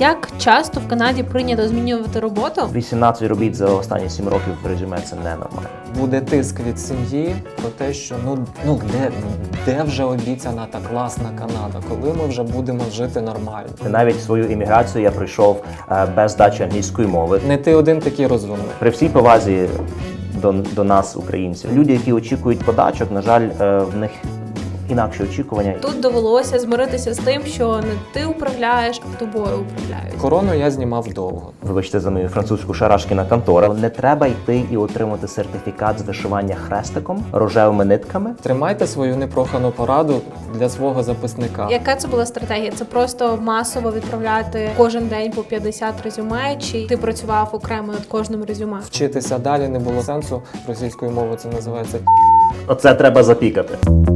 Як часто в Канаді прийнято змінювати роботу? 18 робіт за останні 7 років в резюме – це ненормально. Буде тиск від сім'ї про те, що де вже обіцяна та класна Канада, коли ми вже будемо жити нормально. Навіть свою імміграцію я прийшов без здачі англійської мови. Не ти один такий розумний. При всій повазі до нас, українців, люди, які очікують подачок, на жаль, в них інакші очікування. Тут довелося змиритися з тим, що не ти управляєш, а тобою управляють. Корону я знімав довго. Вибачте за мою французьку шарашкіна контора. Не треба йти і отримати сертифікат з вишивання хрестиком, рожевими нитками. Тримайте свою непрохану пораду для свого записника. Яка це була стратегія? Це просто масово відправляти кожен день по 50 резюме, чи ти працював окремо над кожним резюме? Вчитися далі не було сенсу. Російською мовою це називається. Оце треба запікати.